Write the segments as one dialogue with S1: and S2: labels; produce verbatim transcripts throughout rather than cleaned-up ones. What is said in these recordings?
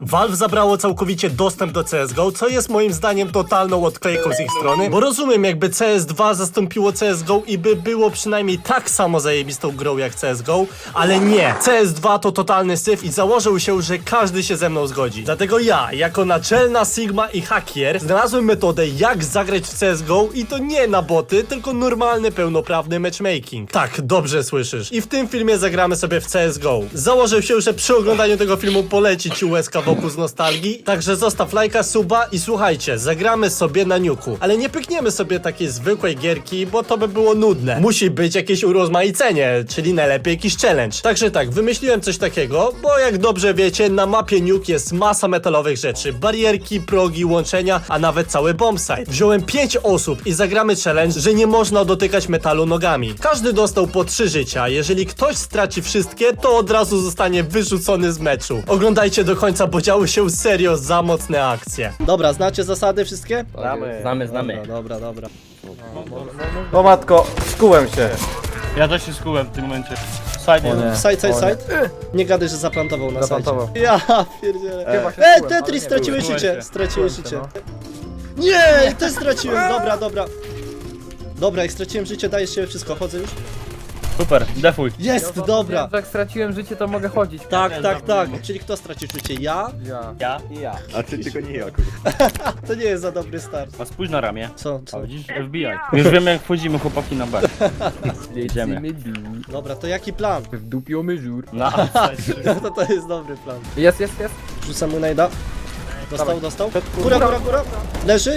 S1: Valve zabrało całkowicie dostęp do C S G O, co jest moim zdaniem totalną odklejką z ich strony, bo rozumiem, jakby C S dwa zastąpiło C S G O i by było przynajmniej tak samo zajebistą grą jak C S G O, ale nie. C S dwa to totalny syf i założył się, że każdy się ze mną zgodzi. Dlatego ja, jako naczelna Sigma i hakier, znalazłem metodę, jak zagrać w C S G O i to nie na boty, tylko normalny, pełnoprawny matchmaking. Tak, dobrze słyszysz. I w tym filmie zagramy sobie w C S G O. Założył się, że przy oglądaniu tego filmu poleci ci łezka wokół z nostalgii, także zostaw lajka, suba i słuchajcie, zagramy sobie na niuku. Ale nie pykniemy sobie takiej zwykłej gierki, bo to by było nudne. Musi być jakieś urozmaicenie, czyli najlepiej jakiś challenge. Także tak, wymyśliłem coś takiego, bo jak dobrze wiecie, na mapie nuke jest masa metalowych rzeczy. Barierki, progi, łączenia, a nawet cały bombsite. Wziąłem pięć osób i zagramy challenge, że nie można dotykać metalu nogami. Każdy dostał po trzy życia. Jeżeli ktoś straci wszystkie, to od razu zostanie wyrzucony z meczu. Oglądajcie do końca, bo działy się serio za mocne akcje. Dobra, znacie zasady wszystkie?
S2: Znamy, znamy, znamy.
S1: Dobra, dobra.
S3: O matko, skułem się.
S2: Ja też się skułem w tym momencie. Side
S3: nie.
S1: Side, side,
S3: O
S1: side. Nie gadaj, że zaplantował na
S3: Zaplantował.
S1: sajcie. Ja pierdzielę.
S3: Chyba się
S1: E,
S3: skułem, ale
S1: Tetris,
S3: nie
S1: straciłeś
S2: byłem.
S1: życie.
S2: Skułem się.
S1: Straciłeś
S3: Skułem
S1: życie.
S3: się,
S1: Nie, też straciłem. Dobra, dobra. Dobra, jak straciłem życie, dajesz się wszystko. Chodzę już?
S2: Super, defuj.
S1: Jest, dobra.
S4: Jak straciłem życie, to mogę chodzić.
S1: Tak, tak, tak. Czyli kto stracił życie? Ja?
S4: Ja.
S2: Ja?
S3: I ja.
S5: A ty tylko nie ja, kurwa.
S1: To nie jest za dobry start.
S2: A spójrz na ramię.
S1: Co,
S2: A
S1: co?
S2: widzisz? F B I. Już wiemy jak wchodzimy chłopaki na B. Jedziemy.
S1: Dobra, to jaki plan?
S4: W dupio myżur.
S2: Na
S1: No to to jest dobry plan.
S4: Jest, jest, jest.
S1: Rzucam mu najda. Dostał, dostał. Góra, góra, góra. Leży?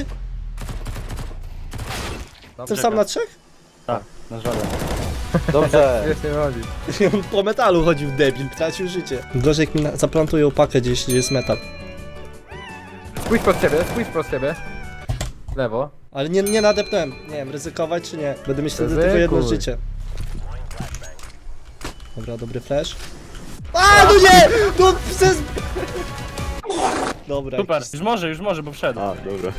S1: Jestem sam na trzech?
S2: Tak, na żaden.
S3: Dobrze.
S4: Wiesz, nie chodzi.
S1: On po metalu chodził debil, tracił życie. Gorzej jak mi na- zaplantuje opakę gdzieś, gdzie jest metal.
S4: Spójrz pod siebie, spójrz pod siebie. Lewo.
S1: Ale nie, nie nadepnąłem. Nie wiem, ryzykować czy nie. Będę mieć wtedy tylko
S4: Ryzykuj.
S1: jedno życie. Dobra, dobry flash. A, no nie! No przez... Dobra.
S2: Super,
S1: jakiś-
S2: już może, już może, bo wszedł.
S5: A, dobra.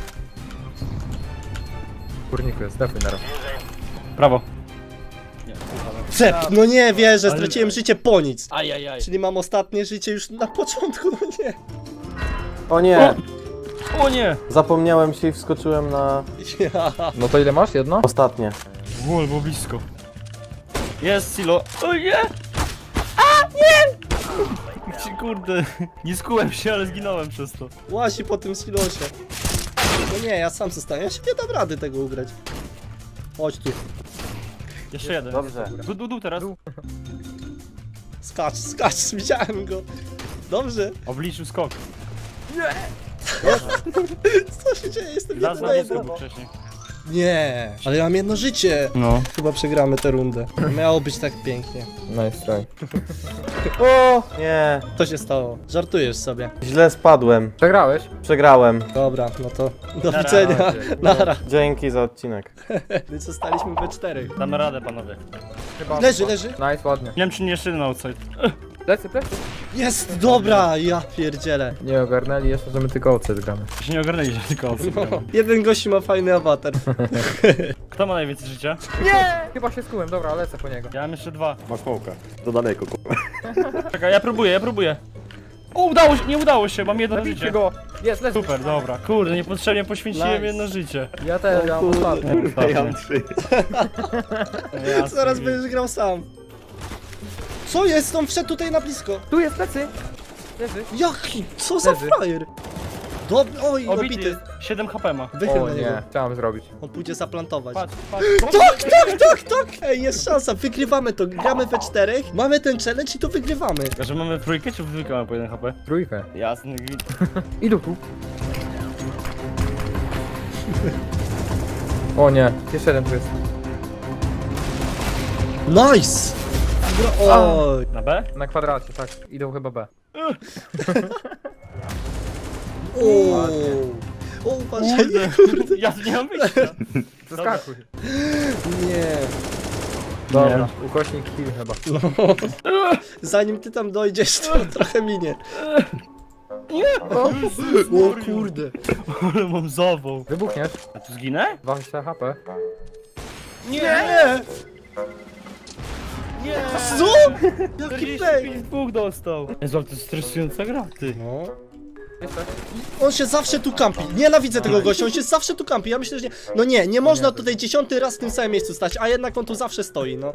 S4: Kurniku jest, defuj na raz.
S2: Prawo.
S1: Przep, no nie wierzę, straciłem życie po nic.
S2: Ajajaj.
S1: Czyli mam ostatnie życie już na początku, no nie.
S3: O nie,
S2: O nie!
S3: zapomniałem się i wskoczyłem na
S1: Ja.
S4: No to ile masz? Jedno?
S3: ostatnie.
S2: Wol, było blisko. Jest silo. O nie! A, nie! Kurde, nie skułem się, ale zginąłem przez to.
S1: Łazi po tym silosie. No nie, ja sam zostaję. Ja się nie dam rady tego ugrać. Chodź tu.
S2: Jeszcze jeden.
S3: Dobrze.
S2: Du, du, du teraz.
S1: Skacz, skacz, widziałem go. Dobrze.
S2: Obliczył skok.
S1: Co się dzieje? Jestem
S2: Raz na
S1: jedno
S2: blisko był
S1: jedno.
S2: wcześniej.
S1: Nie, ale ja mam jedno życie.
S2: No.
S1: Chyba przegramy tę rundę. Miało być tak pięknie.
S4: Nice try.
S3: O nie,
S1: Co się stało? Żartujesz sobie.
S3: źle spadłem.
S4: Przegrałeś?
S3: Przegrałem.
S1: Dobra, no to do
S2: Nara.
S1: widzenia. Nara.
S3: Dzięki za odcinek.
S1: My zostaliśmy we czterech.
S2: Damy radę, panowie.
S4: Chyba.
S1: Leży, leży.
S4: Nice, ładnie.
S2: Nie wiem, czy nie jeszcze jeden outside.
S4: Plecy, plecy.
S1: Jest, dobra, ja pierdzielę.
S4: Nie ogarnęli jeszcze, że my tylko oce gramy.
S2: Się nie ogarnęli, że tylko outside.
S1: No, jeden gościu ma fajny awatar.
S2: Kto ma najwięcej życia?
S4: Nie! Chyba się skułem, dobra, lecę po niego.
S2: Ja mam jeszcze dwa.
S5: Ma smoka. Do daleko, kurwa.
S2: Czekaj, ja próbuję, ja próbuję. O, udało się, nie udało się, mam jedno
S4: Zabijcie
S2: życie.
S4: go! Jest, leży.
S2: Super, dobra. Kurde, niepotrzebnie poświęciłem
S1: Nice.
S2: jedno życie.
S4: Ja też, ja mam ostatni.
S5: Ja mam trzy.
S1: Zaraz będziesz grał sam. Co jest? On wszedł tutaj na blisko.
S4: Tu jest plecy! Leży.
S1: Jaki? Co za
S4: Leży.
S1: frajer? Dobry, oj,
S2: Obity
S1: obity.
S2: jest. siedem HP ma.
S1: Wychyl
S4: O
S1: na niego.
S4: nie, chciałem zrobić.
S1: On pójdzie zaplantować.
S2: Patrz, patrz.
S1: Tak, tak, tak, tak! Ej, jest szansa, wygrywamy to. Gramy we czterech, mamy ten challenge i to wygrywamy.
S2: A że mamy trójkę, czy w dwójkę mamy po jeden H P?
S4: Trójkę.
S2: Jasny gwint.
S4: Idą tu. O nie, jeszcze jeden tu jest.
S1: Nice! Bro, oj.
S2: Na B?
S4: Na kwadracie, tak. Idą chyba B.
S1: O, o, uważaj,
S2: Kurde, ja tu nie mam wyjścia.
S4: Zaskakuj.
S1: nie.
S4: Dobra, ukośnik kill chyba.
S1: Zanim ty tam dojdziesz, to trochę minie. O kurde.
S2: Ale mam zawał.
S4: Wybuchniesz?
S2: A tu zginę?
S4: dwadzieścia H P.
S1: Nie!
S2: Nie!
S1: Co? Jaki play?
S2: czterdzieści pięć dwóch dostał. Jezu, ale to jest stresująca gra, ty.
S1: No.
S4: Jeszcze.
S1: On się zawsze tu kampi. Nienawidzę tego gościa, on się zawsze tu kampi. Ja myślę, że nie... No nie, nie można tutaj dziesiąty raz w tym samym miejscu stać, a jednak on tu zawsze stoi, no.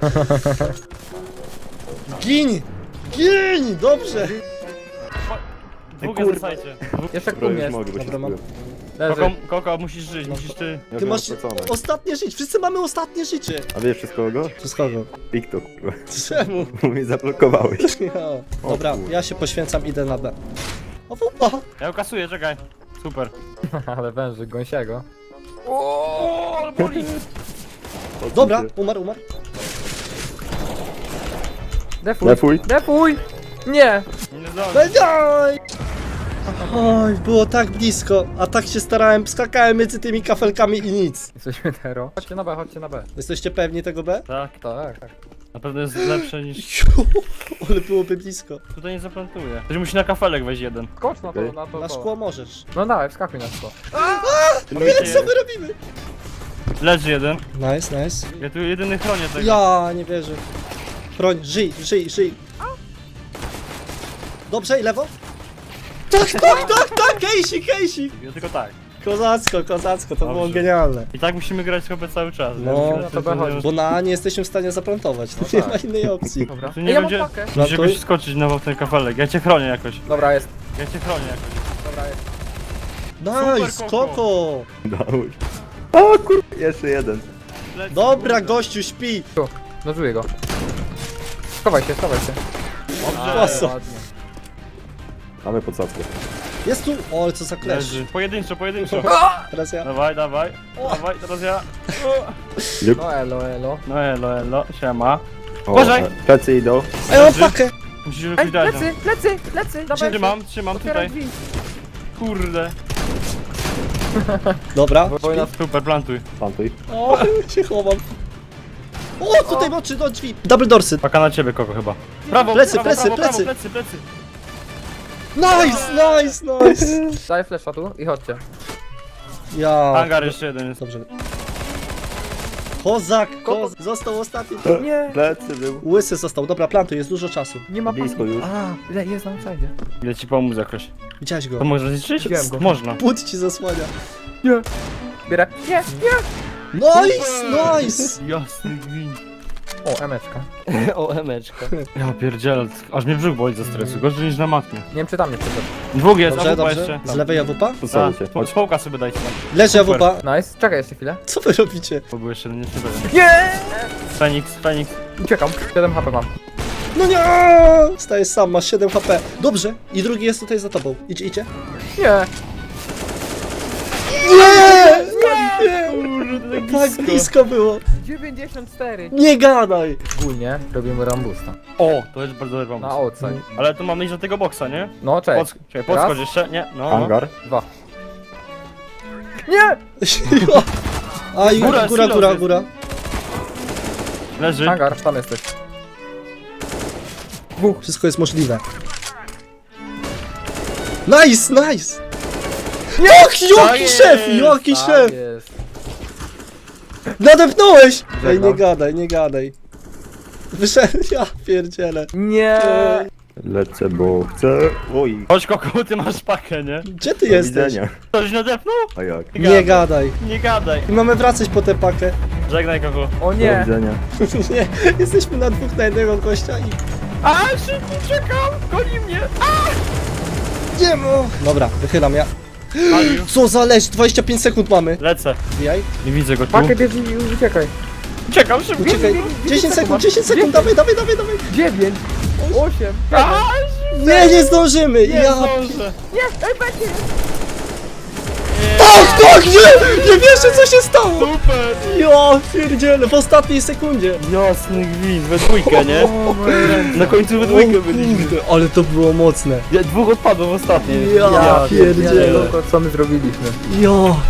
S1: Gin! Gin! Dobrze!
S2: Dwóch
S5: kurwa.
S2: jest na sajcie.
S4: Jeszcze
S5: Bro,
S4: kum
S5: już
S4: jest.
S5: mogę, bo się
S1: Dobra, mam.
S5: skupiłem.
S4: Leży.
S2: Koko, Koko, musisz żyć, musisz ty.
S5: Ja
S1: Ty
S5: byłem
S1: masz
S5: stracony.
S1: ostatnie życie, wszyscy mamy ostatnie życie.
S5: A wiesz przez kogo?
S1: Przez kogo?
S5: TikTok, kurwa.
S1: Czemu?
S5: Bo mnie zablokowałeś.
S1: Ja. Dobra,
S5: kurde.
S1: ja się poświęcam, idę na B. O, wupa!
S2: Ja ją kasuję, czekaj. Super.
S4: Ale węży, gąsiego.
S2: O, ale boli.
S1: Dobra, umarł, umarł.
S4: Defuj.
S5: Defuj.
S4: Defuj! Nie!
S2: Nie zdążę.
S1: Daj! Oj, było tak blisko, a tak się starałem, skakałem między tymi kafelkami i nic.
S4: Jesteśmy tero. Chodźcie na B, chodźcie na B.
S1: Jesteście pewni tego B?
S2: Tak,
S4: Tak, tak.
S2: na pewno jest lepsze niż...
S1: Ju, ale byłoby blisko.
S2: Tutaj nie zaplantuję. Ktoś musi na kafelek wejść jeden.
S4: Skocz na to,
S5: Okej.
S4: na to.
S1: Na
S4: to.
S1: szkło możesz.
S4: No dawaj, wskakuj na szkło.
S1: Ile co my robimy?
S2: Leży jeden.
S1: Nice, nice.
S2: Ja tu jedyny chronię tego.
S1: Ja nie wierzę. Chroń, żyj, żyj, żyj. Dobrze, i lewo? Tak, tak, tak, tak, Casey, Casey.
S2: Ja tylko tak.
S1: Kozacko, kozacko, to było
S2: Dobrze.
S1: genialne.
S2: I tak musimy grać chyba cały czas.
S1: No,
S2: Ja
S4: no to B chodzi.
S1: Bo na A nie jesteśmy w stanie zaplantować, to nie
S4: tak.
S1: ma innej opcji.
S4: Dobra.
S2: Tu
S4: Ej,
S2: nie
S4: ja
S2: będzie...
S4: mam pakę.
S2: Musisz
S1: Plantuj.
S2: jakoś skoczyć na ten kafelek. Ja cię chronię jakoś.
S4: Dobra, jest.
S2: Ja cię chronię jakoś.
S4: Dobra, jest.
S1: Nice,
S2: Super, Koko.
S1: Koko.
S5: Dałeś. O kurwa, jeszcze jeden.
S2: Lecz,
S1: Dobra,
S2: kurde.
S1: gościu, śpi.
S4: Tu, nożuję go. Schowaj się, schowaj się.
S2: Dobrze.
S1: Oso.
S4: Ładnie.
S5: Mamy podsadzkę.
S1: Jest tu. O, ale co za klesz.
S2: Leży. Pojedynczo, pojedynczo.
S1: Teraz ja.
S2: Dawaj, dawaj. Dawaj, teraz ja. O.
S4: No elo, elo.
S2: No elo, elo. Siema.
S5: O,
S2: Uważaj!
S5: e, Plecy idą.
S1: A ja mam
S2: Leży.
S1: pakę.
S2: Musisz
S4: Ej,
S2: jakoś dać.
S4: plecy, plecy, plecy, dawaj.
S2: Trzymam, trzymam
S4: Otwieraj
S2: tutaj.
S4: drzwi.
S2: Kurde.
S1: Dobra.
S4: Wojna.
S2: Super, plantuj.
S5: Plantuj.
S1: O, się chowam. O, tutaj oczy do drzwi. Double dorsy.
S2: Paka na ciebie, Koko chyba. Prawo,
S1: Plecy,
S2: prawo,
S1: plecy,
S2: prawo,
S1: plecy.
S2: prawo, plecy, plecy.
S1: Nice, nice, nice.
S4: Daj flesza tu i chodźcie.
S1: Ja.
S2: Hangar jeszcze jeden jest.
S1: Dobrze. Kozak, kozak. Został ostatni.
S4: Nie,
S5: Plecy był.
S1: Łysy został. Dobra, plantuj, jest dużo czasu.
S4: nie ma
S5: Blisko
S4: paki.
S5: już.
S1: A,
S4: Ile jest na outside?
S2: Idę ci pomóc jakoś.
S1: widziałeś go.
S2: To można zniszczyć?
S4: Widziałem go.
S2: Można.
S1: Płód ci zasłania.
S4: Nie. Bierę. Nie, nie.
S1: Nice, nice.
S2: Jasny gwint.
S4: O, emeczka.
S2: O, emeczka. Ja pierdzielę, aż mnie brzuch boli ze stresu, gorzej niż na matmie.
S4: Nie wiem czy tam nie przyszedł.
S2: Dwóch jest,
S1: Dobrze,
S2: a wupa
S1: dobrze.
S2: jeszcze.
S1: Z lewej awupa?
S5: Podsadzę cię.
S2: Tak,
S5: Chodź.
S2: Społka sobie dajcie tam.
S1: Leży
S2: Super.
S1: awupa.
S4: Nice, czekaj jeszcze chwilę.
S1: Co wy robicie?
S2: Bo był jeszcze jeden, jeszcze jeden.
S4: Nie!
S2: Feniks, Feniks.
S4: Uciekam, siedem H P mam.
S1: No nie! Stajesz sam, masz siedem H P. Dobrze. I drugi jest tutaj za tobą. Idzie, idzie.
S4: Nie!
S1: Nie! Nie!
S2: Kurde,
S1: Tak blisko było.
S4: dziewięćdziesiąt cztery.
S1: Nie gadaj.
S4: Ogólnie robimy rambusta.
S2: O, to jest bardzo dobry
S4: Na
S2: pomysł.
S4: outside.
S2: Ale tu mamy iść do tego boksa, nie?
S4: No cześć.
S2: Podsk czekaj, podskocz
S4: Raz.
S2: jeszcze, nie? No.
S5: Hangar.
S4: Dwa. Nie!
S1: A i
S2: Góra,
S1: góra,
S2: silos
S1: góra,
S2: jest.
S1: góra.
S2: Leży.
S4: Hangar, tam jesteś.
S1: Wszystko jest możliwe. Nice, nice! Jak, jaki
S2: jest,
S1: szef, jaki
S4: Tak
S1: szef!
S4: jest.
S1: Nadepnąłeś! Ej,
S4: Żegnam.
S1: nie gadaj, nie gadaj. Wyszedł, ja pierdzielę.
S4: Nie!
S5: Lecę, bo chcę. Oj.
S2: Chodź Koko, ty masz pakę, nie?
S1: Gdzie ty
S5: Do
S1: jesteś?
S5: widzenia.
S2: Ktoś nadepnął?
S5: A jak?
S1: Nie gadaj.
S2: Nie gadaj.
S1: I mamy wracać po tę pakę.
S2: Żegnaj Koko.
S4: O
S5: Do
S4: nie!
S5: widzenia.
S1: Nie, jesteśmy na dwóch na jednego gościa i...
S2: A, szybko, czekam! Goni mnie!
S1: Nie mu! Dobra, wychylam ja.
S2: Palił.
S1: Co za leć, dwadzieścia pięć sekund mamy.
S2: Lecę.
S1: Wbijaj.
S2: Nie widzę go tu.
S4: Pakę bierz i uciekaj.
S2: Czekam szybko.
S1: Uciekaj. dziesięć sekund, dziesięć sekund, dawaj, dawaj, dawaj, dawaj.
S4: dziewięć! osiem!
S2: A,
S1: Nie, nie zdążymy.
S2: nie
S1: Ja...
S2: zdążę.
S4: Nie! Ej, będzie!
S1: Tak, tak, nie! Nie wierzę, co się stało.
S2: Super!
S1: Ja pierdzielę, w ostatniej sekundzie.
S2: Jasny gwint, we dwójkę, nie? Na końcu we dwójkę byliśmy.
S1: Kurde, ale to było mocne.
S2: Ja, dwóch odpadło w ostatniej.
S1: Ja pierdzielę.
S4: Co my zrobiliśmy?
S1: Ja